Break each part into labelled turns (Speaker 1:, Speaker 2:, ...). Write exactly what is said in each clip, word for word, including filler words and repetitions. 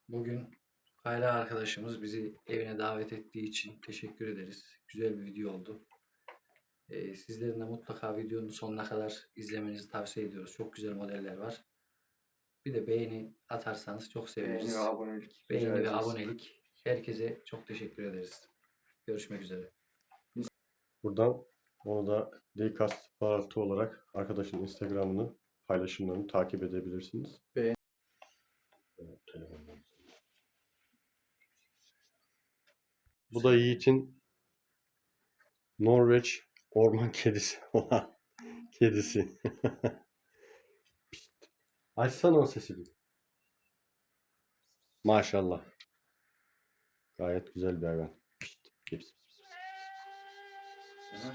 Speaker 1: Bugün Kayra arkadaşımız bizi evine davet ettiği için teşekkür ederiz. Güzel bir video oldu. Ee, sizlerin de mutlaka videonun sonuna kadar izlemenizi tavsiye ediyoruz. Çok güzel modeller var. Bir de beğeni atarsanız çok seviniriz.
Speaker 2: Beğeni ve abonelik.
Speaker 1: Beğeni
Speaker 2: rica
Speaker 1: ve
Speaker 2: ederiz.
Speaker 1: abonelik. Herkese çok teşekkür ederiz. Görüşmek üzere.
Speaker 3: Buradan onu da Dcast Paraltı olarak arkadaşın Instagram'ını, paylaşımlarını takip edebilirsiniz.
Speaker 2: Beğen-
Speaker 3: Evet, telefondan. Bu da Yiğit'in Norveç orman kedisi olan kedisi. Pişt. Açsana o sesi bir. Maşallah. Gayet güzel bir hayvan. Pişt. Pişt.
Speaker 2: Evet.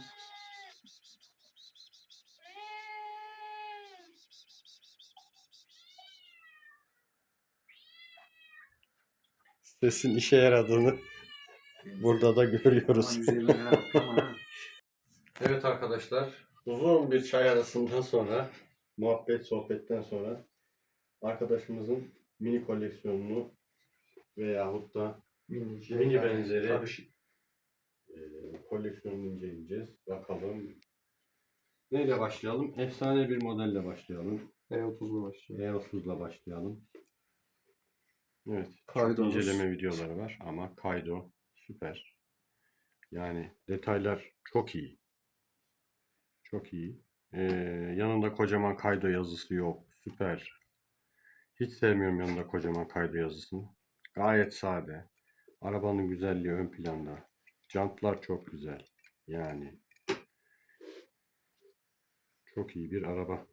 Speaker 3: Sesin işe yaradığını burada da görüyoruz.
Speaker 2: Aman üzerine atlama ha.
Speaker 3: Evet arkadaşlar, uzun bir çay arasından sonra, muhabbet sohbetten sonra arkadaşımızın mini koleksiyonunu veyahut da
Speaker 2: Mini,
Speaker 3: mini
Speaker 2: yani
Speaker 3: benzeri
Speaker 2: karışık.
Speaker 3: e, koleksiyonunu inceleyeceğiz. Bakalım. Neyle başlayalım? Efsane bir modelle başlayalım.
Speaker 2: E otuzla başlıyor.
Speaker 3: E otuzla başlayalım. Evet, çok
Speaker 2: Kaydomuz.
Speaker 3: inceleme videoları var ama kaydo süper. Yani detaylar çok iyi. Çok iyi. Ee, yanında kocaman kaydo yazısı yok. Süper. Hiç sevmiyorum yanında kocaman kaydo yazısını. Gayet sade. Arabanın güzelliği ön planda. Jantlar çok güzel. Yani çok iyi bir araba.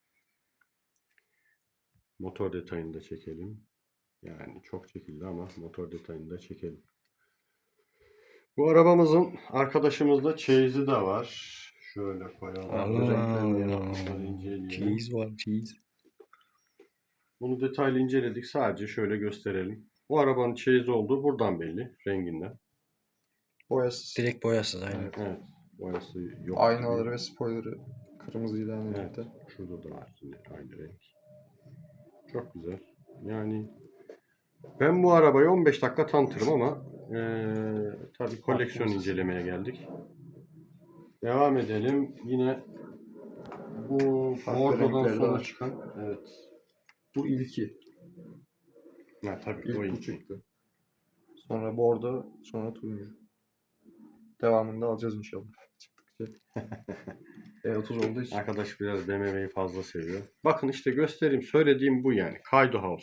Speaker 3: Motor detayını da çekelim. Yani çok çekildi ama motor detayını da çekelim. Bu arabamızın arkadaşımızda çeyizi de var. Şöyle koyalım. Renklerini yapmışlar, inceleyelim.
Speaker 4: Cheese var, cheese.
Speaker 3: Bunu detaylı inceledik. Sadece şöyle gösterelim. Bu arabanın çeyiz olduğu buradan belli. Renginden.
Speaker 2: Boyasız.
Speaker 4: Direkt boyasız aynen.
Speaker 2: Evet.
Speaker 3: Evet. Boyası yok.
Speaker 2: Aynaları
Speaker 3: gibi.
Speaker 2: ve spoiler'ı kırmızıyla aynı
Speaker 3: Evet.
Speaker 2: renkte.
Speaker 3: Şurada da var yine aynı renk. Çok güzel. Yani ben bu arabayı on beş dakika tanıtırım ama ee, tabii koleksiyon incelemeye geldik. Devam edelim. Yine bu
Speaker 2: Farklı
Speaker 3: bordodan
Speaker 2: renkleri de
Speaker 3: sonra
Speaker 2: var.
Speaker 3: çıkan, evet.
Speaker 2: Bu ilki.
Speaker 3: Ha, tabii
Speaker 2: İlk
Speaker 3: o
Speaker 2: bu
Speaker 3: ilk.
Speaker 2: çıktı. Sonra bordo, sonra turuncu. Devamını da alacağız inşallah. Çıktıkça. E otuz olduğu için.
Speaker 3: Arkadaş biraz B M W'yi fazla seviyor. Bakın işte göstereyim. Söylediğim bu yani. Kaydo House.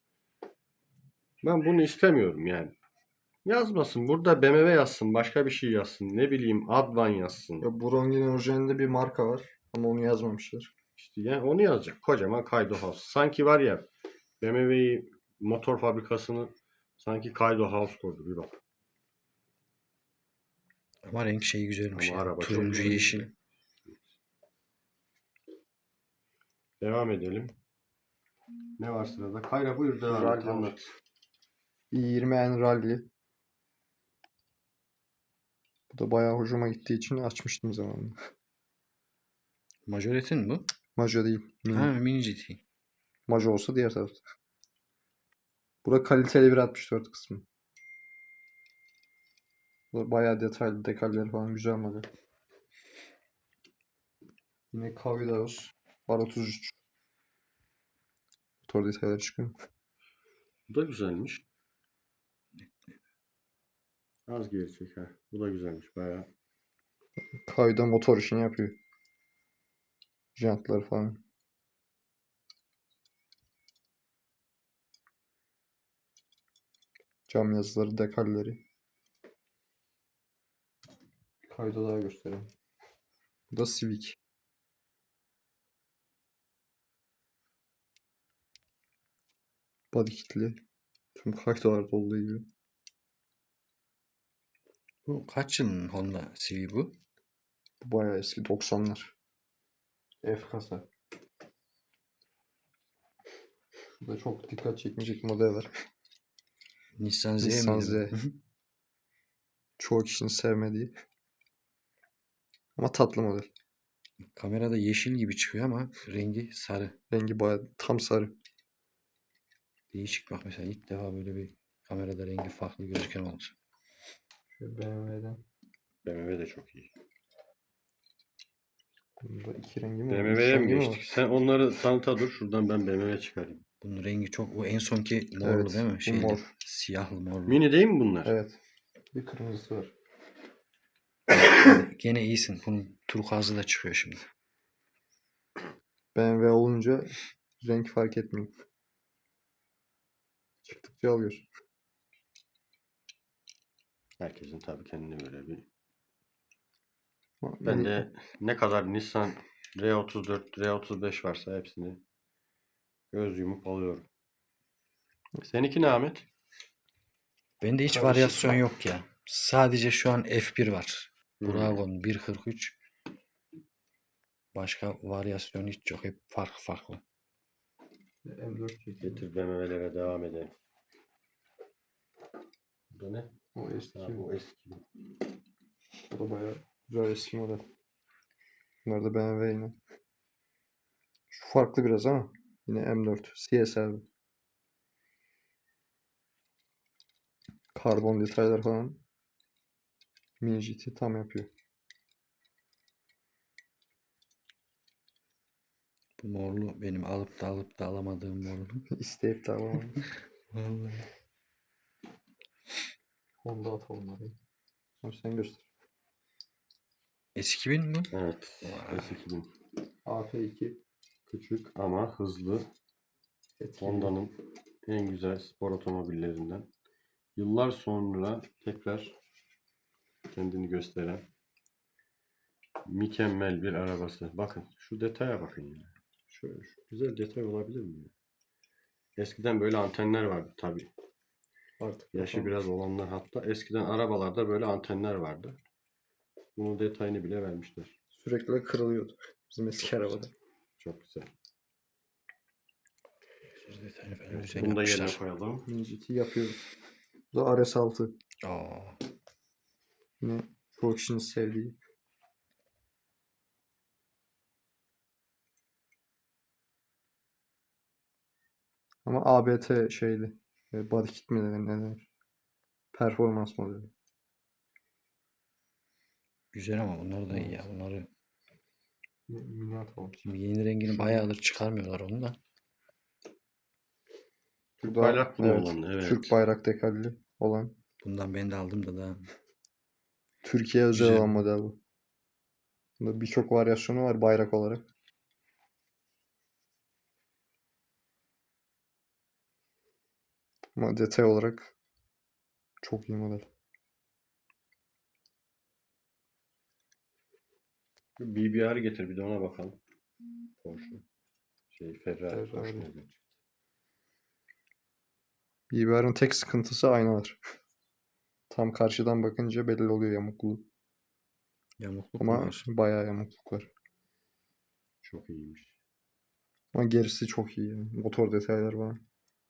Speaker 3: Ben bunu istemiyorum yani. Yazmasın. Burada B M W yazsın. Başka bir şey yazsın. Ne bileyim Advan yazsın.
Speaker 2: Ya Brongi'nin orijinalinde bir marka var. Ama onu yazmamışlar.
Speaker 3: İşte yani onu yazacak. Kocaman Kaydo House. Sanki var ya B M W'yi motor fabrikasını sanki Kaydo House koydu. Bir bak.
Speaker 4: Ama renk şeyi güzelmiş
Speaker 3: Ama
Speaker 4: ya.
Speaker 3: araba çok
Speaker 4: Turuncu
Speaker 3: güzel.
Speaker 4: yeşil.
Speaker 3: Devam edelim. Ne var sırada? Kayra buyur devam et.
Speaker 2: Rally var.
Speaker 3: Anlat.
Speaker 2: i yirmi N Rally. Bu da bayağı hoşuma gittiği için açmıştım zamanında.
Speaker 4: Majoretin bu.
Speaker 2: Majo değil. Mini.
Speaker 4: Ha, mini G T.
Speaker 2: Majo olsa diğer tarafta. Burada kaliteli bir altmış dört kısmı. Burada bayağı detaylı dekalleri falan güzel model. Yine Kavidaos. Var otuz üç. Motor detayları çıkıyor.
Speaker 3: Bu da güzelmiş. Az geri çek ha. Bu da güzelmiş bayağı.
Speaker 2: Kavida motor işini yapıyor. Jantları falan. Cam yazıları, dekalleri. Kayda daha göstereyim. Bu da Civic. Body kitli. Tüm kaydalarda olduğu gibi.
Speaker 4: Bu kaç yılın Honda Civic bu?
Speaker 2: Bu bayağı eski doksanlar. F kasa. Şurada çok dikkat çekmeyecek model var.
Speaker 4: Nissan Z
Speaker 2: Nissan
Speaker 4: miydi?
Speaker 2: Z. Çoğu kişinin sevmediği. Ama tatlı model.
Speaker 4: Kamerada yeşil gibi çıkıyor ama rengi sarı.
Speaker 2: Rengi bayağı tam sarı.
Speaker 4: Değişik bak mesela ilk defa böyle bir kamerada rengi farklı gözüken oldu.
Speaker 2: Şöyle B M W'den.
Speaker 3: B M W de çok iyi.
Speaker 2: Bunda iki rengi mi var?
Speaker 3: B M
Speaker 2: Üç
Speaker 3: W'ye mi
Speaker 2: rengi mi
Speaker 3: geçtik?
Speaker 2: var?
Speaker 3: Sen onları tanıta dur. Şuradan ben B M W çıkarayım.
Speaker 4: Bunun rengi çok o en sonki morlu
Speaker 2: Evet,
Speaker 4: değil mi?
Speaker 2: bu
Speaker 4: Şeyli,
Speaker 2: mor.
Speaker 4: siyahlı morlu.
Speaker 3: Mini değil mi bunlar?
Speaker 2: Evet. Bir kırmızısı var.
Speaker 4: Gene iyisin. Bunun turkuazı da çıkıyor şimdi.
Speaker 2: B M W olunca renk fark etmiyor. Çıktıkça alıyorsun.
Speaker 3: Herkesin tabii kendine göre bir.
Speaker 2: Ama
Speaker 3: Ben
Speaker 2: mini-
Speaker 3: de ne kadar Nissan R otuz dört, R otuz beş varsa hepsini göz yumup alıyorum. Seninki ne Ahmet?
Speaker 4: Bende hiç
Speaker 2: Karışık.
Speaker 4: varyasyon yok ya. Sadece şu an F bir var.
Speaker 3: Hmm.
Speaker 4: Buragon bir kırk üç. Başka varyasyon hiç yok. Hep farklı farklı.
Speaker 2: M dört çekiyor.
Speaker 3: Getir B M W'lere devam edelim. Bu da ne?
Speaker 2: O eski.
Speaker 3: Ha, bu eski.
Speaker 2: O da bayağı güzel eski model. Bunlar da B M W yine. Şu farklı biraz ama yine M dört. C S R. Karbon detaylar falan. Mini G T tam yapıyor.
Speaker 4: Bu morlu benim alıp da alıp da alamadığım morlu.
Speaker 2: İsteyip de alamam.
Speaker 4: Vallahi.
Speaker 2: Honda atalım hadi. Abi sen göster.
Speaker 4: S iki bin mi?
Speaker 3: Evet.
Speaker 4: Vay.
Speaker 3: S iki bin.
Speaker 2: A F iki.
Speaker 3: Küçük ama hızlı.
Speaker 2: Etkili.
Speaker 3: Honda'nın en güzel spor otomobillerinden. Yıllar sonra tekrar kendini gösteren mükemmel bir arabası. Bakın şu detaya bakın ya. Şöyle şu güzel detay olabilir mi? ya? Eskiden böyle antenler vardı tabii.
Speaker 2: Artık
Speaker 3: Yaşı
Speaker 2: bakalım.
Speaker 3: biraz olanlar hatta eskiden arabalarda böyle antenler vardı. Bunun detayını bile vermişler.
Speaker 2: Sürekli kırılıyordu. Bizim eski arabada.
Speaker 3: Çok güzel.
Speaker 4: Söz detayını falan
Speaker 3: Evet,
Speaker 4: güzel
Speaker 3: bunu da yerine
Speaker 4: yapmışlar.
Speaker 3: koyalım.
Speaker 2: Mini G T yapıyor. Bu da R S altı.
Speaker 4: Aa,
Speaker 2: Yine çoğu kişinin sevdiği. Ama A B T şeyli. E, Body kit mi denir, ne denir? Performans modeli.
Speaker 4: güzel ama bunlar da iyi ya.
Speaker 2: Evet.
Speaker 4: Bunları
Speaker 2: Yine mini atalım.
Speaker 4: şimdi yeni rengini bayağıdır çıkarmıyorlar onu da.
Speaker 3: Türk
Speaker 2: Bu da,
Speaker 3: bayrak
Speaker 2: evet,
Speaker 3: kullanılan, evet.
Speaker 2: Türk bayrak dekalli olan.
Speaker 4: Bundan ben de aldım da daha.
Speaker 2: Türkiye özel
Speaker 4: Güzel.
Speaker 2: olan model bu. Bunda birçok varyasyonu var bayrak olarak. Ama detay olarak çok iyi model.
Speaker 3: B B R getir bir de ona bakalım. Porsche. Şey Ferrari.
Speaker 2: Ferrari.
Speaker 3: Porsche ne diyor?
Speaker 2: B B R'ın tek sıkıntısı aynalar. Tam karşıdan bakınca belli oluyor yamukluğu.
Speaker 4: Yamukluk
Speaker 2: Ama
Speaker 4: var.
Speaker 2: bayağı yamukluk var.
Speaker 3: Çok iyiymiş.
Speaker 2: Ama gerisi çok iyi. Yani. Motor detaylar falan.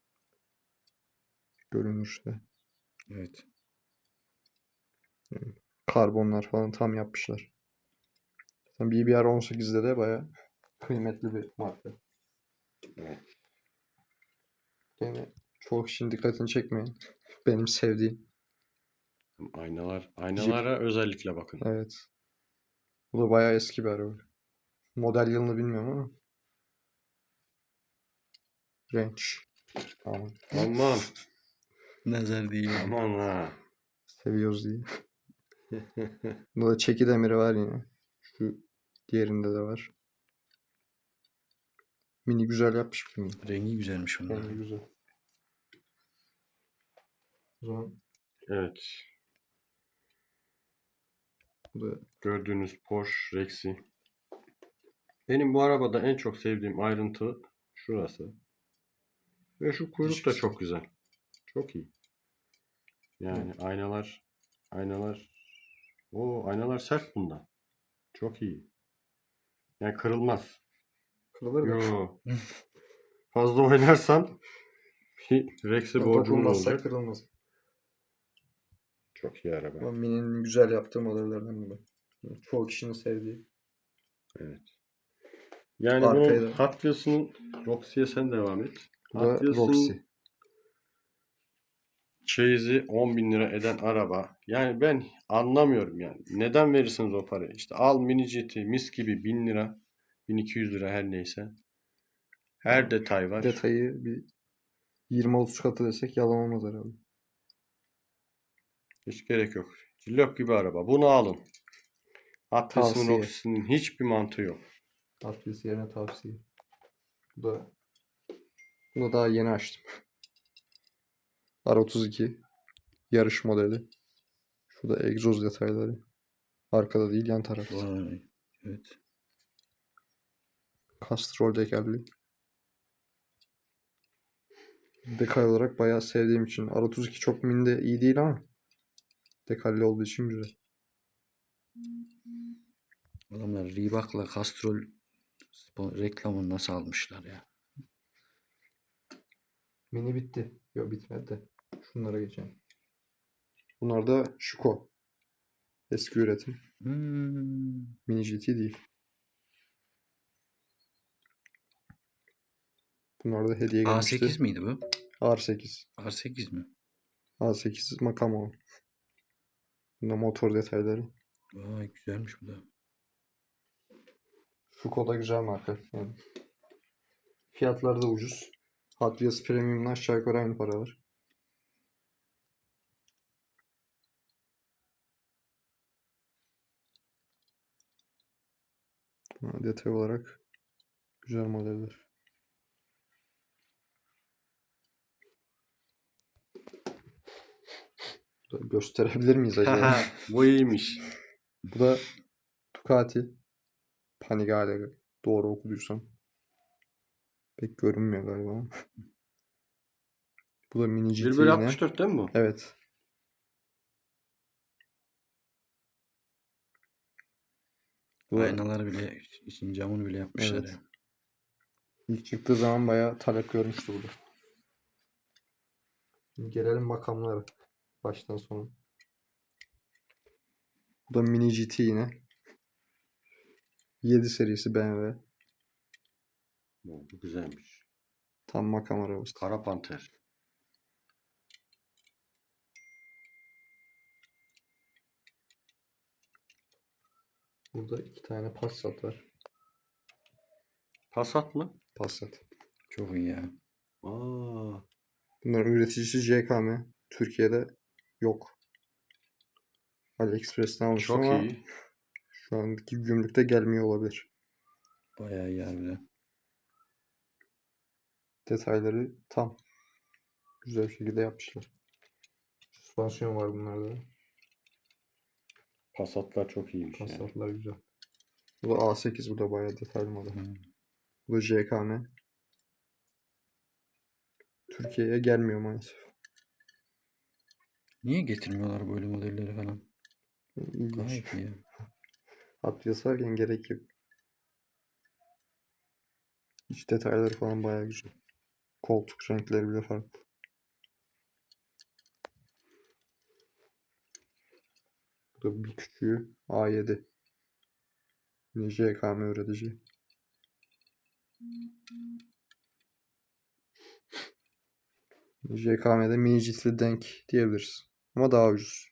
Speaker 2: Görünüşte.
Speaker 4: Evet.
Speaker 2: Karbonlar falan tam yapmışlar. Zaten B B R on sekizde de bayağı kıymetli bir marka.
Speaker 3: Evet.
Speaker 2: Gene çoğu kişinin dikkatini çekmeyin. Benim sevdiğim.
Speaker 3: Aynalar, aynalara özellikle bakın.
Speaker 2: Evet. Bu da bayağı eski bir araba. Model yılını bilmiyorum ama. Range. Tamam.
Speaker 3: Aman,
Speaker 4: Nazar değil.
Speaker 3: aman ha.
Speaker 2: Seviyoruz diye. Bunda da çeki demiri var yine. Şu diğerinde de var. Mini güzel yapmış bunu.
Speaker 4: Rengi güzelmiş bunlar.
Speaker 2: Bence güzel. O zaman
Speaker 3: Evet.
Speaker 2: bu da
Speaker 3: Gördüğünüz Porsche Rex'i. Benim bu arabada en çok sevdiğim ayrıntı şurası. Ve şu kuyruk da çok güzel. Çok iyi. Yani aynalar aynalar o aynalar sert bunda. Çok iyi. Yani kırılmaz.
Speaker 2: kırılır da.
Speaker 3: Yo. Fazla oynarsan bir Rex'e borcumuz
Speaker 2: Dokunmazsa
Speaker 3: olacak.
Speaker 2: kırılmaz.
Speaker 3: Çok iyi araba.
Speaker 2: Ama Mini'nin güzel yaptığı modellerden bu. Çoğu kişinin sevdiği.
Speaker 3: Evet. Yani
Speaker 2: Arkaya
Speaker 3: bunun
Speaker 2: da-
Speaker 3: Hot Wheels'ın Roxy'ye sen devam et.
Speaker 2: Bu da
Speaker 3: Hot Wheels'ın
Speaker 2: Roxy.
Speaker 3: çeyizi on bin lira eden araba. Yani ben anlamıyorum yani. Neden verirsiniz o parayı? İşte al mini G T mis gibi bin lira. bin iki yüz lira her neyse. Her detay var.
Speaker 2: Detayı bir yirmi otuz katı desek yalan olmaz herhalde.
Speaker 3: Hiç gerek yok. Cillop gibi araba. Bunu alın. Hot Wheels'ın
Speaker 2: Tavsiye.
Speaker 3: Roxy'nin hiçbir mantığı yok.
Speaker 2: Hot Wheels yerine tavsiye. Bu da bunu daha yeni açtım. R otuz iki yarış modeli. Şurada egzoz detayları. Arkada değil, yan tarafta.
Speaker 4: Vay. Evet.
Speaker 2: Castrol tekerli. Dekal olarak bayağı sevdiğim için. R otuz iki çok minde iyi değil ama dekalli olduğu için güzel.
Speaker 4: Adamlar Reebok'la Castrol spon- reklamını nasıl almışlar ya?
Speaker 2: Mini bitti. Yok, bitmedi de. Şunlara geçelim. Bunlar da Schuko. Eski üretim.
Speaker 4: Hmm.
Speaker 2: Mini G T değil. Bunlar da hediye
Speaker 4: A
Speaker 2: gelmişti.
Speaker 4: sekiz miydi bu?
Speaker 2: R sekiz.
Speaker 4: R sekiz mi?
Speaker 2: A sekiz Makamo. Bunda motor detayları.
Speaker 4: Vay güzelmiş bu da.
Speaker 2: Schuko da güzel marka. Yani fiyatları da ucuz. Hot Wheels Premium'la aşağı yukarı aynı paralar. Ha, detay olarak güzel modeller. Bu da gösterebilir miyiz acaba?
Speaker 3: Bu iyiymiş.
Speaker 2: Bu da Ducati Panigale, doğru okuduysam. Pek görünmüyor galiba ama. Bu da mini G T
Speaker 3: bir bölü
Speaker 2: yine.
Speaker 3: altmış dört değil mi bu?
Speaker 2: Evet. Bu da
Speaker 4: Aynaları bile, için camını bile yapmışlar
Speaker 2: Evet.
Speaker 4: ya.
Speaker 2: ilk çıktığı zaman bayağı talep görmüştü bu da. Şimdi gelelim makamlara. Baştan sona. Bu da mini G T yine. yedi serisi B M W.
Speaker 3: Bu bu güzelmiş.
Speaker 2: Tam makam arabası.
Speaker 3: Kara Panter.
Speaker 2: Burada iki tane Passat var.
Speaker 3: Passat mı?
Speaker 2: Passat.
Speaker 4: Çok iyi ya.
Speaker 3: Aa,
Speaker 2: Bunların üreticisi J K M. Türkiye'de yok. AliExpress'ten almıştım
Speaker 3: çok
Speaker 2: ama
Speaker 3: iyi.
Speaker 2: şu andaki gümrükte gelmiyor olabilir.
Speaker 4: Bayağı iyi harbiden.
Speaker 2: Detayları tam. Güzel bir şekilde yapmışlar. Süspansiyon var bunlarda. da.
Speaker 3: Passatlar çok iyiymiş yani.
Speaker 2: Passatlar güzel. Bu da A sekiz, bu da bayağı detaylı model.
Speaker 4: Hmm.
Speaker 2: Bu da J K M. Türkiye'ye gelmiyor maalesef.
Speaker 4: Niye getirmiyorlar böyle modelleri falan?
Speaker 2: İlginç.
Speaker 4: Gayet iyi ya.
Speaker 2: Hot Wheels varken gerek yok. İç detayları falan bayağı güzel. Koltuk renkleri bile farklı. Bu da bir küçüğü A yedi. Yine J K M üretici. J K M'de mini ciltli denk diyebiliriz. Ama daha ucuz.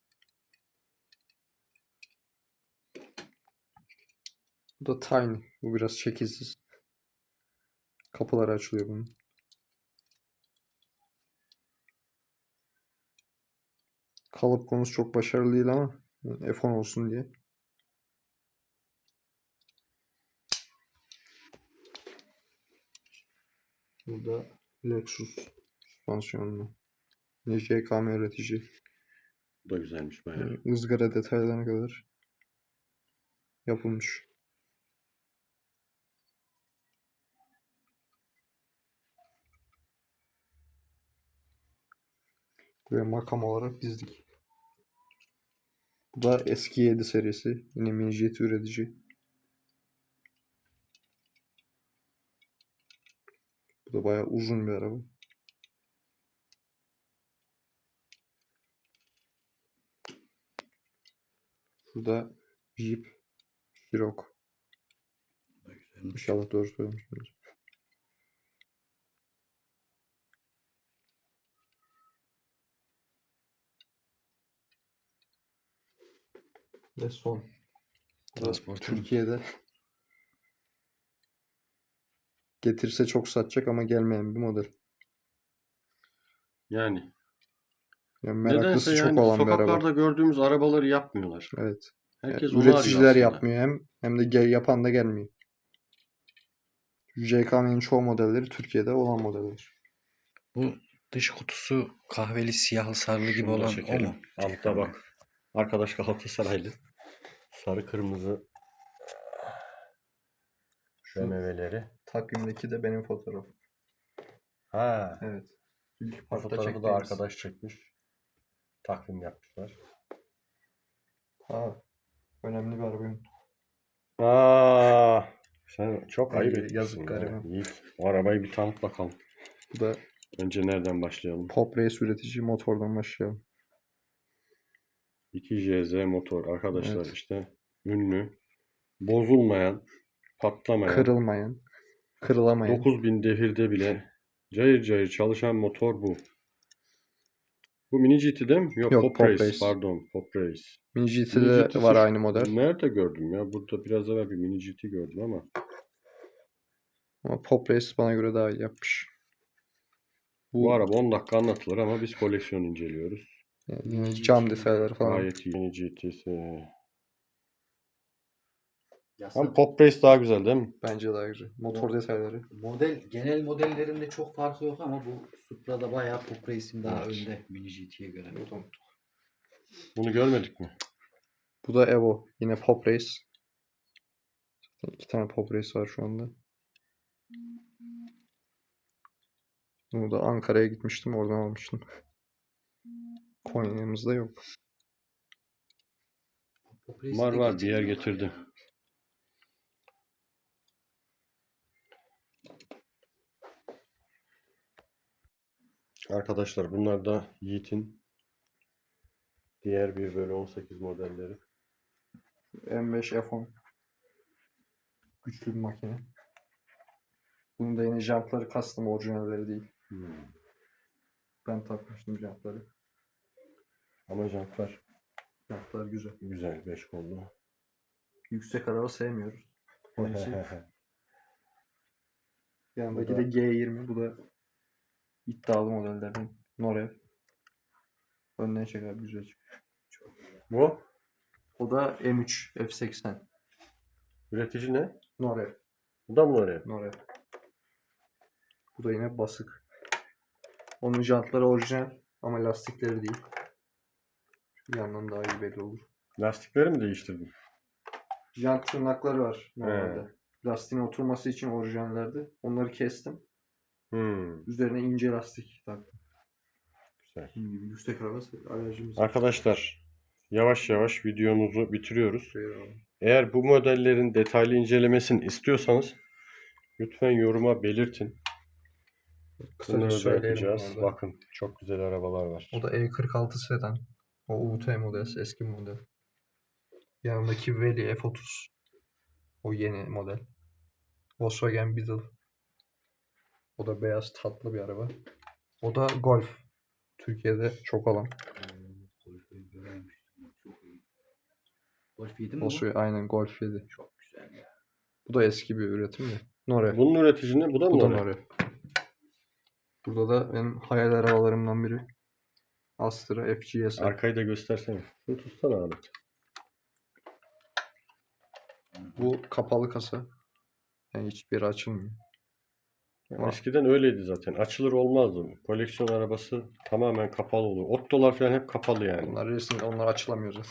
Speaker 2: Bu da Tiny. Bu biraz şekilsiz. Kapıları açılıyor bunun. Kalıp konusu çok başarılı değil ama F on olsun diye. Burada Lexus süspansiyonlu. Yine J K M üretici.
Speaker 3: Bu da güzelmiş bayağı.
Speaker 2: Yani ızgara detaylarına kadar yapılmış. Buraya makam olarak dizdik. Bu da eski yedi serisi. Yine mini jet üretici. Bu da bayağı uzun bir araba. Şurada Jeep Cherokee.
Speaker 4: Bu da güzelmiş.
Speaker 2: İnşallah doğru söylemişimdir. Ve son. Bu da
Speaker 4: Transporter.
Speaker 2: Türkiye'de getirse çok satacak ama gelmeyen bir model.
Speaker 3: Yani
Speaker 2: Yani
Speaker 3: nedense
Speaker 2: meraklısı çok
Speaker 3: yani
Speaker 2: olan bir araba.
Speaker 3: sokaklarda gördüğümüz arabaları yapmıyorlar.
Speaker 2: Evet. Yani
Speaker 3: Herkes onu arıyor
Speaker 2: üreticiler
Speaker 3: aslında.
Speaker 2: yapmıyor hem hem de gel yapan da gelmiyor. J K M'nin çoğu modelleri Türkiye'de olan modeller.
Speaker 4: Bu dış kutusu kahveli siyahlı sarılı gibi
Speaker 3: Şunu da
Speaker 4: olan o
Speaker 3: çekelim.
Speaker 4: mu?
Speaker 3: Altta bak. Arkadaş Galatasaraylı. Sarı kırmızı
Speaker 2: Şu
Speaker 3: B M W'leri.
Speaker 2: takvimdeki de benim fotoğrafım.
Speaker 3: Ha.
Speaker 2: Evet. İlk
Speaker 3: Bu
Speaker 2: parkta
Speaker 3: fotoğrafı da
Speaker 2: çektiğimiz.
Speaker 3: arkadaş çekmiş. Takvim yapmışlar.
Speaker 2: Ha, önemli bir arabayım.
Speaker 3: Aa, sen çok
Speaker 2: Ay,
Speaker 3: ayıp
Speaker 2: yazık
Speaker 3: etmişsin ya.
Speaker 2: gariban.
Speaker 3: Yiğit, o arabayı bir tanıt bakalım.
Speaker 2: Bu da
Speaker 3: Önce nereden başlayalım?
Speaker 2: Pop Race üretici motordan başlayalım.
Speaker 3: iki J Z motor arkadaşlar
Speaker 2: Evet.
Speaker 3: işte ünlü, bozulmayan, patlamayan,
Speaker 2: Kırılmayan, kırılamayan.
Speaker 3: dokuz bin devirde bile cayır cayır çalışan motor bu. Bu Mini G T değil mi? Yok,
Speaker 2: Yok,
Speaker 3: Pop,
Speaker 2: Pop
Speaker 3: Race.
Speaker 2: Race.
Speaker 3: Pardon, Pop Race.
Speaker 2: Mini
Speaker 3: Mini
Speaker 2: G T'de
Speaker 3: GT'si
Speaker 2: var
Speaker 3: şu-
Speaker 2: aynı model.
Speaker 3: Nerede gördüm ya? Burada biraz evvel bir Mini G T gördüm ama.
Speaker 2: Ama Pop Race bana göre daha iyi yapmış.
Speaker 3: Bu,
Speaker 2: Bu
Speaker 3: araba on dakika anlatılır ama biz koleksiyon inceliyoruz.
Speaker 2: yani yine cam detayları falan.
Speaker 3: Gayet iyi. Mini G T'si.
Speaker 1: Yasa,
Speaker 3: Ama Pop Race daha güzel değil mi?
Speaker 2: Bence daha güzel. Motor detayları.
Speaker 1: model genel modellerinde çok farkı yok ama bu Supra'da bayağı Pop Race'in daha
Speaker 3: Evet.
Speaker 1: önde Mini G T'ye göre.
Speaker 3: Bunu görmedik mi?
Speaker 2: Bu da Evo. Yine Pop Race. İki tane Pop Race var şu anda. Bunu da Ankara'ya gitmiştim. Oradan almıştım. Konya'mızda yok.
Speaker 1: Pop Race'i
Speaker 3: Var
Speaker 1: de
Speaker 3: var bir yer
Speaker 1: getiriyorlar
Speaker 3: getirdi.
Speaker 1: ya.
Speaker 3: Arkadaşlar bunlar da Yiğit'in diğer bir bölü on sekiz modelleri.
Speaker 2: M beş F on. Güçlü bir makine. Bunun da yine jantları custom, orijinalleri değil.
Speaker 3: Hmm.
Speaker 2: Ben takmıştım jantları.
Speaker 3: Ama jantlar
Speaker 2: Jantlar güzel.
Speaker 3: güzel, beş kollu.
Speaker 2: Yüksek araba sevmiyoruz. Onun için yanındaki
Speaker 3: Bu da-
Speaker 2: de G yirmi. Bu da iddialı modellerden. Norev. Önden çeker, güzel çıkıyor.
Speaker 3: Bu
Speaker 2: O da M üç F seksen.
Speaker 3: üretici ne?
Speaker 2: Norev.
Speaker 3: Bu da mı oraya?
Speaker 2: Norev. Bu da yine basık. Onun jantları orijinal ama lastikleri değil. Bir yandan daha iyi belli olur.
Speaker 3: Lastikleri mi değiştirdin?
Speaker 2: Jant tırnakları var normalde. Lastiğin oturması için orijinallerdi. Onları kestim.
Speaker 3: Hmm,
Speaker 2: Üzerine ince lastik taktım.
Speaker 3: güzel.
Speaker 2: Dediğim gibi yüksek araba alerjimiz var.
Speaker 3: Arkadaşlar yavaş yavaş videomuzu bitiriyoruz.
Speaker 2: Eyvallah.
Speaker 3: Eğer bu modellerin detaylı incelemesini istiyorsanız lütfen yoruma belirtin.
Speaker 2: Kısaca
Speaker 3: Bunları da
Speaker 2: söyleyelim
Speaker 3: yapacağız.
Speaker 2: orada.
Speaker 3: Bakın çok güzel arabalar var.
Speaker 2: O da E kırk altı sedan. O U T model, eski model. Yanındaki Veli F otuz. O yeni model. Volkswagen Beetle. O da beyaz tatlı bir araba. O da Golf. Türkiye'de çok olan.
Speaker 1: Golf'ü görememiştim. Çok iyi. Golf yedi mi bu?
Speaker 2: Volkswagen aynen Golf yedi.
Speaker 1: Çok güzel ya.
Speaker 2: Bu da eski bir üretim de. Norev.
Speaker 3: Bunun üretici ne? Bu da mı
Speaker 2: Bu da
Speaker 3: oraya?
Speaker 2: Norev. Burada da benim hayal arabalarımdan biri. Astra F G S.
Speaker 3: Arkayı da göstersene. Şunu tutsana abi.
Speaker 2: Bu kapalı kasa. Yani hiçbir yeri açılmıyor. Var.
Speaker 3: Eskiden öyleydi zaten. Açılır olmazdı. Koleksiyon arabası tamamen kapalı olur. Ottolar falan hep kapalı yani.
Speaker 2: Onlar resim, onlar açılamıyor zaten.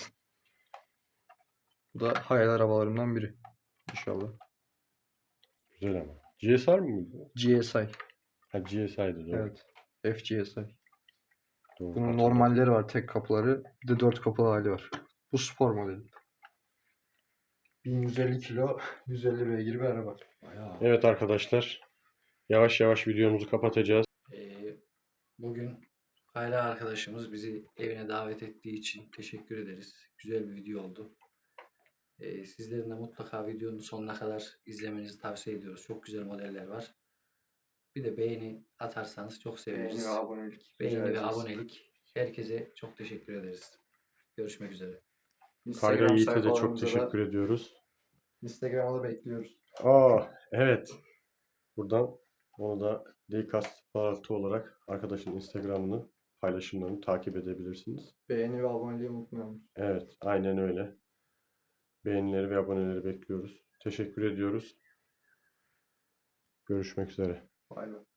Speaker 2: Bu da hayal arabalarımdan biri. İnşallah.
Speaker 3: Güzel ama. G S R mı bu?
Speaker 2: G S I.
Speaker 3: Ha G S I'di doğru.
Speaker 2: Evet. F G S I.
Speaker 3: Doğru,
Speaker 2: Bunun
Speaker 3: hatırladım.
Speaker 2: normalleri var, tek kapıları. Bir de dört kapılı hali var. Bu spor modeli. bin yüz elli kilo, yüz elli beygir bir araba.
Speaker 1: Bayağı.
Speaker 3: Evet arkadaşlar. Yavaş yavaş videomuzu kapatacağız.
Speaker 1: Ee, bugün Kayra arkadaşımız bizi evine davet ettiği için teşekkür ederiz. Güzel bir video oldu. Ee, sizlerin de mutlaka videonun sonuna kadar izlemenizi tavsiye ediyoruz. Çok güzel modeller var. Bir de beğeni atarsanız çok seviniriz.
Speaker 2: Beğeni ve abonelik.
Speaker 1: Beğeni
Speaker 2: rica
Speaker 1: ve
Speaker 2: ederiz.
Speaker 1: abonelik. Herkese çok teşekkür ederiz. Görüşmek üzere.
Speaker 3: Kayra
Speaker 2: Instagram
Speaker 3: Yiğit'e de çok
Speaker 2: sayfalarımıza da-
Speaker 3: teşekkür ediyoruz.
Speaker 2: Instagram'a da bekliyoruz.
Speaker 3: Aa, evet. Buradan onu da Dcast Parti olarak arkadaşın Instagram'ını, paylaşımlarını takip edebilirsiniz.
Speaker 2: Beğeni ve aboneliği unutmayalım.
Speaker 3: Evet, aynen öyle. Beğenileri ve aboneleri bekliyoruz. Teşekkür ediyoruz. Görüşmek üzere.
Speaker 2: Bay bay.